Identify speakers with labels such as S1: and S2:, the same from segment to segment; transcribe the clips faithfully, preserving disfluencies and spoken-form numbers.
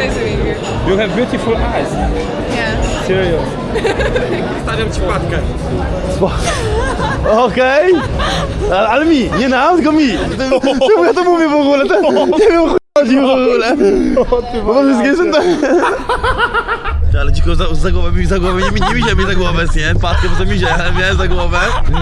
S1: Nice to meet you.
S2: You have beautiful eyes.
S1: Yeah.
S2: Serious. Stawiam ci kładkę.
S3: Okej. Ale, ale mi, nie nam, tylko mi. Czemu ja to mówię w ogóle? To, nie wiem, o chuj chodzi w ogóle. Bo to wszystkie są tak... Ale dziko za, za głowę mi, za głowę, nie, nie mizie mi za głowę, nie? Patkę, bo to mizie, miałem za głowę.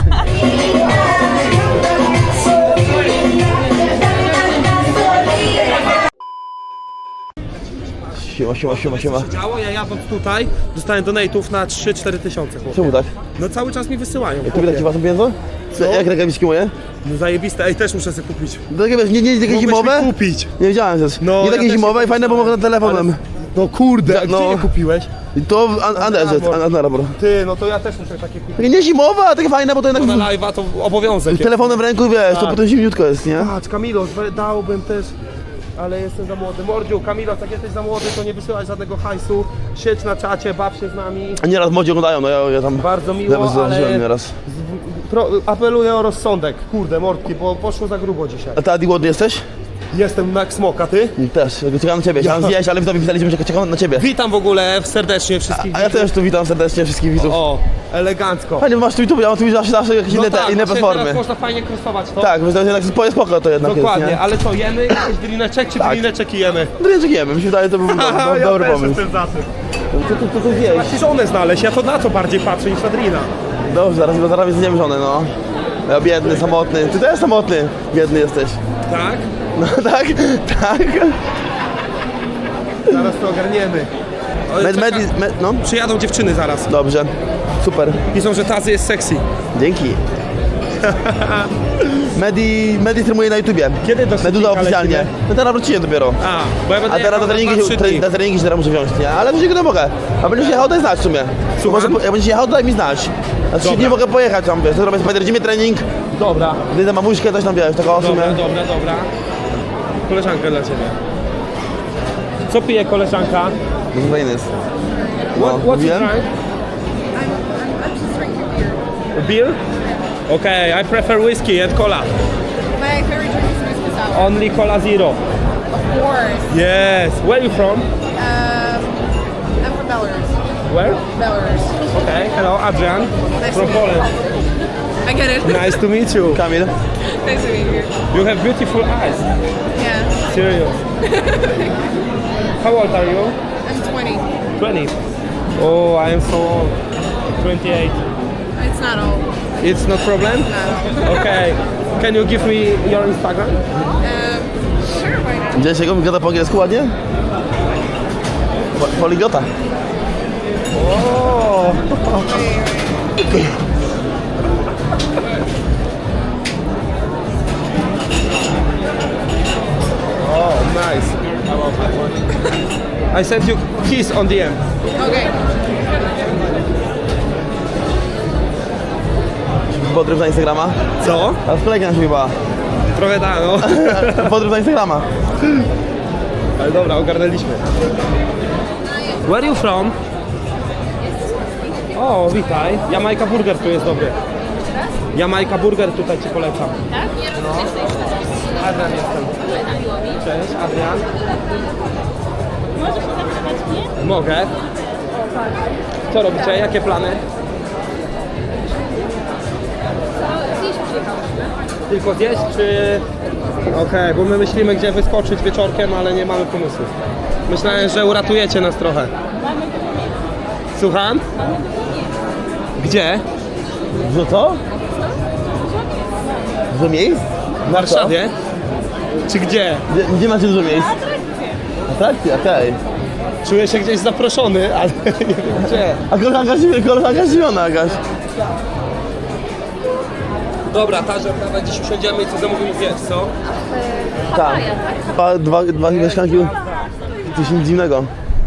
S3: Siema, siema, siema, siema.
S2: Działo, ja jadąc tutaj, dostałem donate'ów na trzy cztery tysiące.
S3: Czemu tak?
S2: No cały czas mi wysyłają.
S3: To widać ci własne pieniądze? Jak rękawiczki moje?
S2: No zajebiste, ej, też muszę sobie kupić.
S3: No takie wiesz, nie, nie, nie takie
S2: Mógłbyś
S3: zimowe?
S2: mi kupić.
S3: Nie wiedziałem też.
S2: No,
S3: nie
S2: ja
S3: takie
S2: też
S3: zimowe
S2: nie
S3: i fajne, bo mogę na telefonem.
S2: No kurde, a
S3: No.
S2: gdzie je kupiłeś?
S3: I to w An- Anderset,
S2: Arbor.
S3: An- Arbor.
S2: Ty, no to ja też muszę takie kupić.
S3: Takie nie zimowe, a takie fajne, bo to jednak
S2: Na live'a to obowiązek.
S3: z telefonem w ręku, wiesz, to
S2: Tak.
S3: potem zimniutko jest, nie?
S2: Patrz, Kamilos, we- dałbym też, ale jestem za młody. Mordziu, Kamilos, jak jesteś za młody, to nie wysyłaj żadnego hajsu. Siedź na czacie, baw się z nami.
S3: A nieraz młodzi oglądają, no ja, ja tam...
S2: Bardzo miło,
S3: Nawet zauważyłem
S2: ale
S3: nieraz.
S2: pro, apeluję o rozsądek. Kurde, mordki, bo poszło za grubo dzisiaj.
S3: A ty, Adi, głodny jesteś?
S2: Jestem na smoka, ty?
S3: Też, czekam na ciebie. Chciałem zjeść, ale wy tobie pisaliśmy, że czekam na ciebie.
S2: Witam w ogóle serdecznie wszystkich
S3: A ja
S2: widzów.
S3: też tu witam serdecznie wszystkich widzów.
S2: O, elegancko.
S3: Fajnie, bo masz tu YouTube, ja mam tu zawsze, zawsze jakieś
S2: No
S3: inne, te,
S2: tak,
S3: inne
S2: właśnie
S3: platformy.
S2: teraz można fajnie krosować to.
S3: Tak, bo to jednak spoko, spoko to jednak
S2: Dokładnie,
S3: jest, nie?
S2: ale co, jemy jakiś drineczek, czy
S3: Tak.
S2: drineczek jemy?
S3: No nie czekujemy, mi się wydaje, to był dobry,
S2: Haha,
S3: dobry,
S2: ja
S3: dobry
S2: też
S3: pomysł.
S2: jestem za tym.
S3: To, to, to, to zjeść.
S2: Właśnie żonę znaleźć, ja to na co bardziej patrzę niż na drina.
S3: Dobrze, zaraz, zaraz zjem żonę, no. Ja biedny, samotny. Ty też samotny, biedny jesteś.
S2: Tak?
S3: No tak, tak.
S2: Zaraz to ogarniemy. O,
S3: Med,
S2: czeka-
S3: med, med, no.
S2: Przyjadą dziewczyny zaraz.
S3: Dobrze, super.
S2: Piszą, że Tazy jest sexy.
S3: Dzięki. Medi, Medi streamuje na YouTubie.
S2: Kiedy do
S3: Meduza
S2: Szybnika
S3: oficjalnie.
S2: lecimy?
S3: No teraz wróciłem dopiero.
S2: A, bo ja będę
S3: A teraz
S2: jechał
S3: na treningi,
S2: dwa, trzy
S3: się,
S2: dni.
S3: na treningi się teraz muszę wziąć, nie? Ale wrócić go mogę. A będziesz jechał, daj znać w sumie.
S2: Słucham?
S3: Może, jak będziesz jechał, daj mi znać. Na trzy
S2: Dobra.
S3: dni mogę pojechać tam, wiesz, to zrobię spider trening,
S2: Dobra,
S3: gdy na mamuśkę coś tam, wiesz, taką w sumie.
S2: dobra, dobra, dobra. Koleżanka dla ciebie. Co pije koleżanka?
S3: No to fajny jest.
S2: What, what you
S3: mówiłem?
S2: drink?
S1: I'm, I'm, I'm just drinking beer.
S2: Beer? Okay, I prefer whiskey and cola.
S1: My favorite drink is whiskey sour.
S2: Only cola zero.
S1: Of course.
S2: Yes. Where you from?
S1: Um, I'm from Belarus.
S2: Where?
S1: Belarus.
S2: Okay. Hello, Adrian.
S1: Nice
S2: From
S1: to meet
S2: Poland.
S1: I get it.
S2: Nice to meet you.
S3: Kamil.
S1: Nice to meet you.
S2: You have beautiful eyes.
S1: Yeah.
S2: Serious. How old are you?
S1: I'm twenty.
S2: twenty. Oh, I am so old. twenty-eight.
S1: It's not old.
S2: It's no problem?
S1: No.
S2: Okay. Can you give me your Instagram?
S1: Um, sure, why not?
S3: Widziałeś jak on gada po angielsku ładnie? Po, poliglota.
S2: Oh.
S1: Wait, wait.
S2: Oh, nice. I love that one. I sent you kiss on the end.
S1: Okay.
S3: Podryw na Instagrama.
S2: Co?
S3: A z kolegą się chyba.
S2: Trochę da, no.
S3: Podryw na Instagrama.
S2: Ale dobra, ogarnęliśmy. Where you from? O, witaj. Jamajka Burger tu jest dobry. Jamajka Burger tutaj ci polecam.
S4: Tak?
S2: No. Adrian jestem. Cześć, Adrian.
S4: Możesz się zapisać mnie?
S2: Mogę. Co robicie? Jakie plany?
S4: Zjeść przyjechałyśmy.
S2: Tylko zjeść, czy... Okej, bo my myślimy, gdzie wyskoczyć wieczorkiem, ale nie mamy pomysłu. Myślałem, że uratujecie nas trochę.
S4: Mamy dużo miejsc.
S2: Słucham?
S4: Mamy dużo miejsc.
S2: Gdzie?
S3: Że co? Dużo miejsc?
S2: W Warszawie? Czy gdzie?
S3: Gdzie, gdzie macie dużo miejsc?
S4: Atrakcje.
S3: Atrakcja, okej.
S2: Czuję się gdzieś zaproszony, ale nie wiem gdzie.
S3: A koleżanka, koleżanka zdziwiona jakaś.
S2: Dobra, Tarze, dawaj dziś usiądziemy i co zamówimy zjeść, co?
S3: Tak. Dwa, dwa, dwa mieszkanki. Coś nic dziwnego.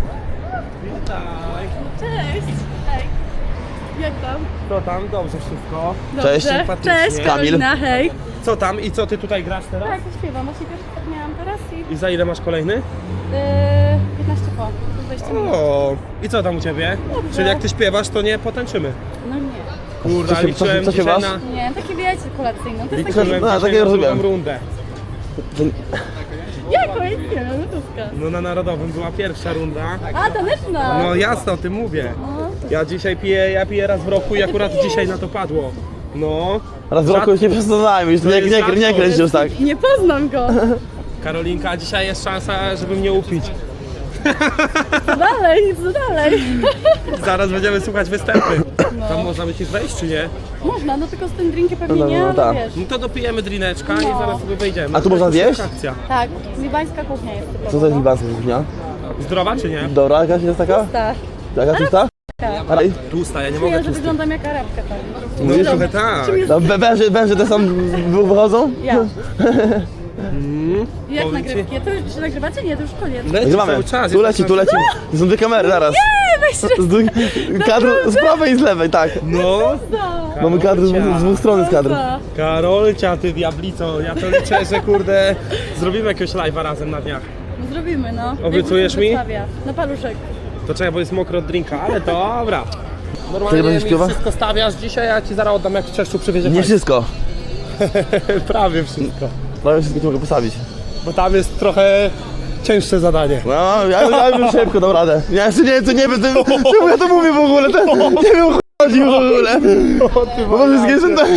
S4: Cześć. Hej. Jak tam?
S2: Co tam? Dobrze wszystko.
S3: Cześć.
S2: Sympatycznie.
S4: Cześć, Karolina, hej.
S2: Co tam i co ty tutaj grasz teraz?
S4: Tak, śpiewam. Właśnie pierwszy tak miałam teraz i...
S2: I za ile masz kolejny?
S4: Yy, piętnaście po. dwadzieścia minut.
S2: O, i co tam u ciebie?
S4: Dobrze.
S2: Czyli jak ty śpiewasz, to nie potańczymy.
S4: No nie.
S2: Kurde,
S3: Co się-
S2: liczyłem
S3: co się- co się
S2: dzisiaj
S3: was?
S2: na...
S4: Nie, takie wiecie, kolacyjne. To jest
S2: Liczyłem
S4: takie...
S3: No,
S2: dzisiaj
S3: takie
S2: na
S3: rozumiem.
S2: drugą rundę.
S4: Jako, ja nie wiem, no to Polska.
S2: No na Narodowym była pierwsza runda.
S4: A, taneczna!
S2: No jasno, o tym mówię. Ja dzisiaj piję, ja piję raz w roku i akurat dzisiaj na to padło. No.
S3: Raz w roku już nie przestanajmy, już nie, nie, nie, nie kręć już tak.
S4: Nie poznam go.
S2: Karolinka, dzisiaj jest szansa, żeby mnie upić.
S4: Co dalej, co dalej?
S2: Zaraz będziemy słuchać występy. Tam można by ci wejść, czy nie?
S4: Można, no tylko z tym drinkiem pewnie
S3: No, no,
S4: nie,
S3: no,
S4: ale
S3: tak.
S4: wiesz.
S2: No to dopijemy drineczka i
S4: No.
S2: zaraz sobie wejdziemy.
S3: A tu można
S2: To jest
S3: zjeść?
S2: akcja.
S4: Tak, libańska kuchnia jest typowa.
S3: Co to jest libańska kuchnia?
S2: Zdrowa czy nie?
S3: Dobra, jakaś jest taka?
S4: Tak.
S3: Jaka tłusta? Araj?
S2: Tłusta, ja nie
S4: Czuję,
S2: mogę
S4: że
S2: tłusty.
S4: wyglądam jak Arabka tam.
S2: No trochę tak.
S3: No, wę- węże, węże te sam wychodzą?
S4: Ja.
S2: Mm,
S4: Jak
S2: powiem
S4: nagrywki? To już czy nagrywacie? Nie, to już koniec.
S2: Leci
S3: Nagrywamy.
S2: cały czas.
S3: Tu leci, tu leci. To są dwie kamery naraz.
S4: Nie, weź
S3: Z dwóch- Kadr z prawej i z lewej, tak.
S2: No,
S3: Mamy kadr z, dwóch- z dwóch stron z kadr.
S2: Karolcia, ty diablico, ja to liczę, że kurde, zrobimy jakiegoś live'a razem na dniach.
S4: Zrobimy, no.
S2: Obiecujesz mi?
S4: Wrocławia. Na paluszek.
S2: To czekaj, bo jest mokro od drinka, ale dobra.
S3: Ty
S2: Normalnie
S3: będziesz
S2: mi
S3: śpiewał?
S2: wszystko stawiasz dzisiaj, a ja ci zaraz oddam, jak w Czeszczu przywiezie
S3: Nie
S2: hajs.
S3: wszystko.
S2: Prawie wszystko.
S3: Prawie wszystko ci mogę postawić.
S2: Bo tam jest trochę cięższe zadanie.
S3: No, ja, ja bym szybko dał radę. Ja jeszcze nie wiem, co nie wiem, co- czemu ja to mówię w ogóle. To, nie wiem, o chuj chodzi w ogóle. Bo to wszystkie są to...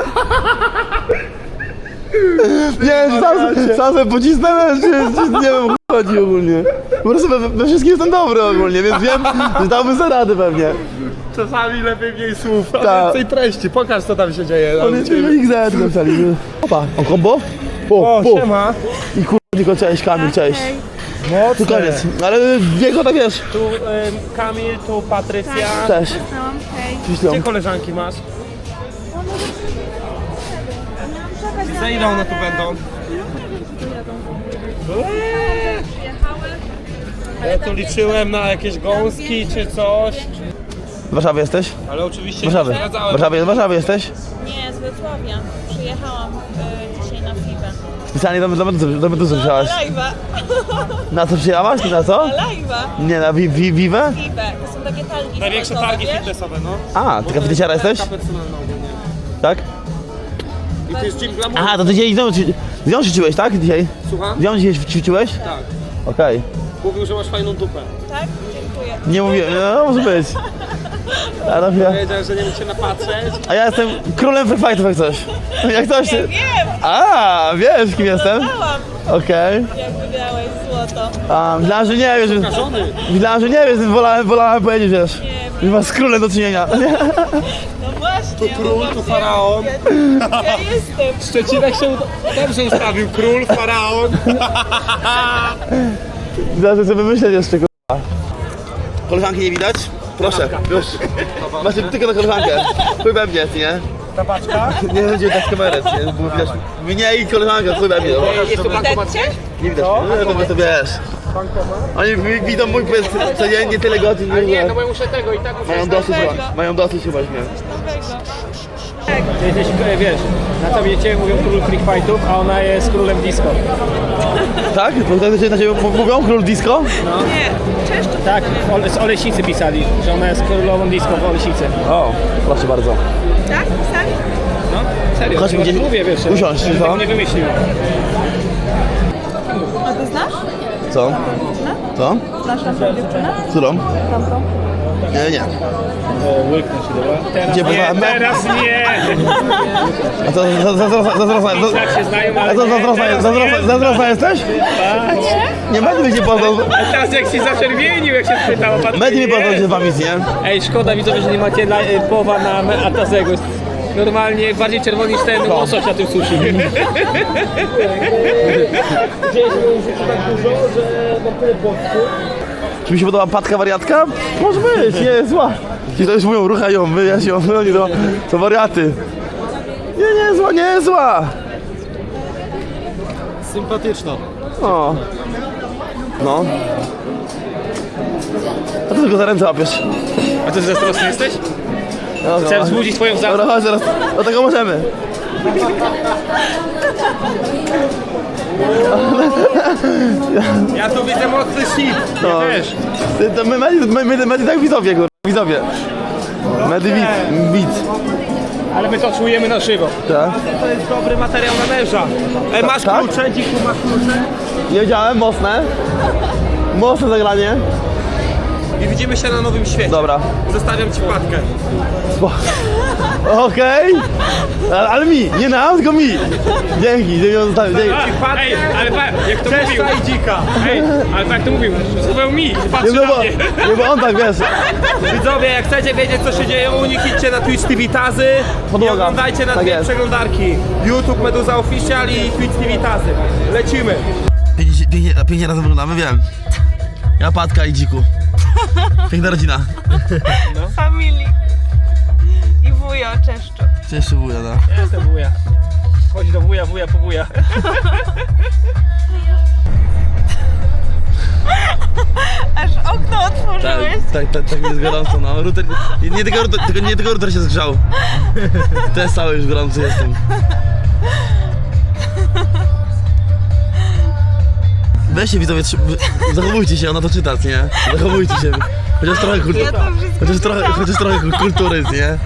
S3: Nie wiem, sam, sam sobie pocisnąłem, czy, czy nie wiem, o chuj chodzi ogólnie. Po prostu we, we wszystkim jestem dobry ogólnie, więc wiem, że dałbym sobie radę pewnie.
S2: Czasami lepiej mniej słów, a
S3: Tak.
S2: więcej treści. Pokaż, co tam się dzieje.
S3: On jest X Z napisali. Opa, o kombo? Po,
S2: O,
S3: po.
S2: siema.
S3: I kur... tylko cześć, Kamil, cześć. Tu
S2: Mocne.
S3: koniec. Ale biego tak wiesz.
S2: Tu ym, Kamil, tu Patrycja.
S3: Cześć.
S4: Znałam, hej.
S3: Ślą.
S2: Gdzie koleżanki masz? Za ile one tu będą? Ja tu liczyłem na jakieś gąski czy coś,
S3: W Warszawie jesteś?
S2: ale oczywiście
S3: W Warszawie.
S2: nie
S3: W
S2: zgadzałem.
S3: Warszawie, w Warszawie jesteś?
S5: Nie, z Wrocławia. Przyjechałam e, dzisiaj na Fibę.
S3: Specjalnie do, do, do, do Meduzy przyjechałaś.
S5: Live'a.
S3: Na co przyjechałaś? Na co?
S5: Live'a.
S3: Nie, na wi, wi, Vive?
S5: Fibę. To są takie targi.
S2: Największe
S5: sportowe,
S2: targi
S5: wiesz?
S2: fitnessowe, no.
S3: A, ty kafetyciara jesteś?
S2: Personalna ogólnie.
S3: Tak?
S2: I to jest gym glamour.
S3: Aha, to ty dzisiaj znowu ćwi- z nią ćwiczyłeś, tak? Dzisiaj?
S2: Słucham?
S3: Z nią dzisiaj ćwiczyłeś?
S2: Tak.
S3: Okej.
S2: Mówił, że masz fajną dupę.
S5: Tak? Dziękuję.
S3: Nie mówię, no może być. A, no, ja,
S2: Powiedział, że nie mógł się napatrzeć.
S3: a ja jestem królem free fightów jak coś. Jak coś.
S5: Ja wiem.
S3: A, wiesz kim jestem?
S5: Znałam,
S3: Okej.
S5: jak wygrałeś złoto.
S3: A, myślałem, że nie wiesz. że-
S2: Żony.
S3: Myślałem, że nie wiesz, więc wolałem, wolałem powiedzieć, wiesz.
S5: Nie,
S3: Że masz z królem do czynienia.
S5: no właśnie.
S2: Tu król, tu faraon.
S5: Ja, ja jestem.
S2: Szczecinek się uda- dobrze ustawił. Król, faraon.
S3: Zaraz sobie myśleć jeszcze, k***a. Koleżanki nie widać? Proszę, już. Macie tylko na koleżankę. Chuj we mnie, ty nie?
S2: Ta paczka.
S3: Nie będzie tak z kamery, nie? Było widać mnie i koleżankę, chuj we mnie. dobra.
S2: Jest tu bankomat.
S3: Nie widać, nie, po prostu wiesz. Oni wi- widzą mój powiedz codziennie tyle godzin,
S2: A nie,
S3: że
S2: no bo ja muszę tego i tak muszę.
S3: mają dosyć chyba, mają dosyć chyba mnie.
S6: Ty jesteś, e, wiesz, na tobie cię mówią król freak fightów, a ona jest królem disco.
S3: Tak? Bo tak na ciebie mówią? Król disco?
S6: Tak, w Ole, z Oleśnicy pisali, że ona jest królową disco w Oleśnicy.
S3: O, proszę bardzo.
S5: Tak? Pisali?
S6: No, serio,
S3: Chodźmy
S6: ja
S3: gdzieś-
S6: mówię, wiesz,
S3: usiąść,
S6: że
S3: co?
S6: tego nie wymyślił.
S5: A ty znasz?
S3: Co? Co?
S5: Znasz naszą dziewczynę?
S3: Którą? Nie, nie.
S6: O, łyknę się, dobra? Teraz
S3: Gdzie
S6: nie,
S3: bywa-
S6: teraz nie!
S3: A to zazdrosna, zazdrosna,
S6: Tak się znają,
S3: a
S6: ale
S3: to
S6: nie,
S3: zazdrosna,
S6: teraz
S3: zazdrosna,
S6: nie.
S3: zazdrosna jesteś? Nie będę mi się poznał.
S6: A teraz jak się zaczerwienił, jak się spytał o pan.
S3: Będę mi poznał się z wami, nie?
S6: Ej, szkoda widzowie, że nie macie la, e, połowa na me- Atazego. Jest normalnie bardziej czerwony niż ten łosoś na tym sushi.
S3: Czy mi się podoba patka wariatka? Może być, nie jest zła. Ci to już mówią, ruchają, wyjaśnią, oni to, to wariaty. Nie, nie jest zła, nie jest zła.
S2: Sympatyczna.
S3: O. No. A ty tylko za ręce łapiesz.
S6: A ty zazdrosny jesteś?
S3: No,
S6: Chcę
S3: no.
S6: wzbudzić twoją zazdrość.
S3: Dobra, chodź zaraz. Do tego możemy.
S2: Ja tu widzę mocny shit.
S3: No.
S6: Też.
S3: Ty, to my, my, my, my, my tak widzowie, kurwa, widzowie. Medy widz, widz.
S6: Ale my to czujemy na żywo.
S3: Tak?
S2: To jest dobry materiał na męża. E, masz
S3: Tak?
S2: klucze, dziku, masz klucze?
S3: Nie wiedziałem, mocne. Mocne zagranie.
S2: I widzimy się na nowym świecie.
S3: Dobra.
S2: Zostawiam ci płatkę.
S3: Spo- Okej. Ale, ale mi, nie nam, tylko mi. Dzięki, dzięki, zostawię, dzięki.
S6: Ej, ale pa, jak to mówił.
S2: Cześć, i dzika.
S6: Ej, ale tak to mówił. Schował mi,
S3: Nie,
S6: patrzy
S3: no
S6: na
S3: bo,
S6: mnie.
S3: nie, bo on tak, wiesz.
S2: Widzowie, jak chcecie wiedzieć, co się dzieje u nich, idźcie na Twitch T V Tazy i
S3: Podłoga.
S2: oglądajcie na
S3: Tak
S2: dwie
S3: jest.
S2: przeglądarki. YouTube Meduza Official i Twitch T V Tazy. Lecimy.
S3: Pięknie, pięknie, pięknie razem wyglądamy, wiem. Ja, Patka i Dziku. Piękna rodzina.
S5: Familii. I wujo Czeszczu.
S3: Cześć, wuja, no.
S6: Ja jestem wuja. Chodź do wuja, wuja po wuja.
S5: Aż okno
S3: Tak,
S5: otworzyłeś.
S3: tak, tak, tak jest gorąco, no. Router, nie, nie, tylko, router- tylko, nie tylko router się zgrzał. Też cały już gorący jestem. Weźcie widzowie, trzy- wy- zachowujcie się, ona to czyta, nie? Zachowujcie się. Chociaż trochę kultury.
S5: Ja to wszystko
S3: Chociaż trochę,
S5: czytam.
S3: chociaż trochę kultury, nie?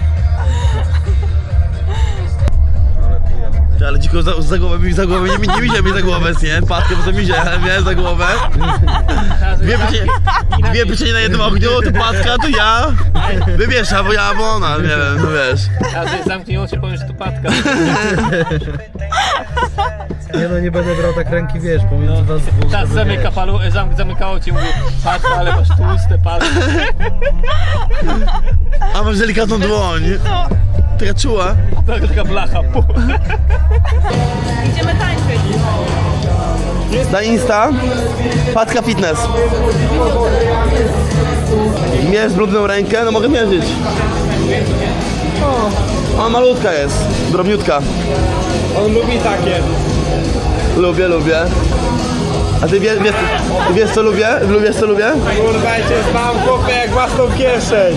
S3: Ty, ale dziko za, za głowę mi za głowę, nie, nie mizie mi za głowę, nie? Patkę, bo to mizie, ale miałem za głowę. Dwie pieczenie, dwie pieczenie na jednym ogniu, to Patka, to ja. Wybierz, albo ja, albo ona, nie wiem, no wiesz.
S6: A zamknij oczy, powiem, że to patka.
S7: Nie no, nie będę brał tak ręki, wiesz, pomiędzy was dwóch.
S6: Czas
S7: żeby,
S6: zamyka
S7: wiesz.
S6: palu, zam, zamykało ci, mówię, patka, ale masz tłuste palce.
S3: A masz delikatną dłoń. Taka czuła.
S6: Taka, taka blacha. Pu.
S5: Idziemy tańczyć.
S3: Na Insta, Patka Fitness. Mierz brudną rękę, no mogę mierzyć. O, ona malutka jest, drobniutka.
S2: On lubi takie.
S3: Lubię, lubię. A ty wie, wiesz, wiesz co lubię? Lubisz co lubię?
S2: Kurwa, ja cię znam, chłopie, jak własną kieszeń.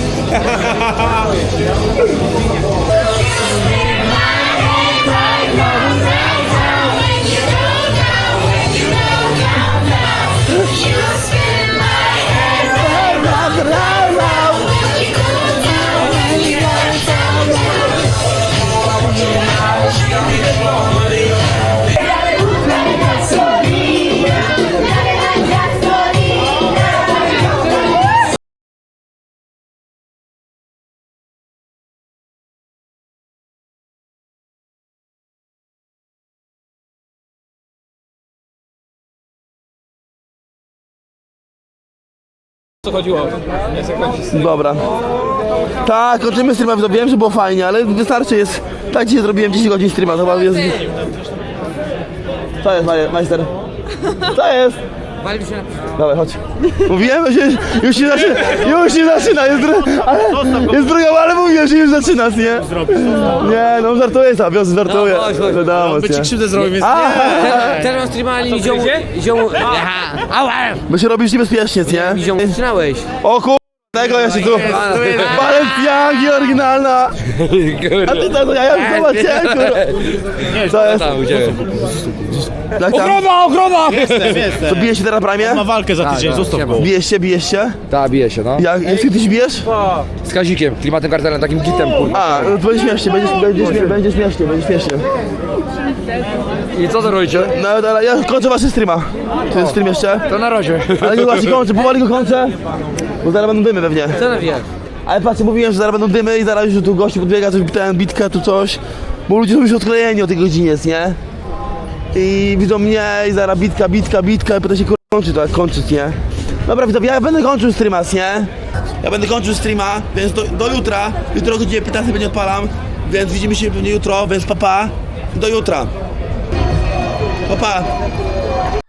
S6: Co chodziło? Nie chcę kończyć.
S3: Dobra. Tak, kończymy streama, to wiem, że było fajnie, ale wystarczy jest. Tak dzisiaj zrobiłem dziesięć godzin streama, to chyba jest. Co jest, Maje- majster? Co jest? Dawaj, chodź. Mówiłem, że już, już się zaczyna, już się zaczyna, jest, dru- ale, jest druga, ale mówiłem, że już zaczyna, nie? Nie, no żartuję sobie, wiosny żartuję. Wiadomo, nie?
S2: Krzywdę zrobił, więc
S3: A,
S8: Teraz mam streama, ale ziomu, ziomu, aha, ała,
S3: bo się robisz niebezpiecznie, nie?
S8: ziomu, zaczynałeś.
S3: O kur... tego jeszcze tu. Balenciagi oryginalna. A ty co, ja ja zobaczyłem, kurwa. Co jest?
S8: Tam, gdzie?
S3: Jak tam?
S2: Ochrona, ochrona! Jestem, jestem.
S3: To bijesz się teraz na prime?
S7: Ma walkę za tydzień, zostaw go.
S3: Bijesz się, bijesz się?
S8: Ta, bije się, no.
S3: Jak, jak ty się bijesz?
S8: Z Kazikiem, klimatem kartelem, takim gitem, kurwa.
S3: A, no to będzie śmiesznie, będzie, będzie, śmie- będzie śmiesznie, będzie śmiesznie.
S8: I co to robicie?
S3: No ale ja kończę waszy streama. To jest stream jeszcze?
S8: To na razie.
S3: Ale nie właśnie kończę, powoli go kończę. Bo zaraz będą dymy pewnie.
S8: Co na wie?
S3: Ale patrzcie, mówiłem, że zaraz będą dymy i zaraz już tu gości podbiega, coś ten, bitka, tu coś. Bo ludzie są już odklejeni o tej godzinie, nie? I widzą mnie i zaraz bitka, bitka, bitka i potem się kur... kończy to, jak kończyć, nie? Dobra, widzowie, ja będę kończył streama, nie? Ja będę kończył streama, więc do, do jutra. Jutro o godzinie piętnastej będzie odpalam, więc widzimy się pewnie jutro, więc papa. Do jutra. Papa.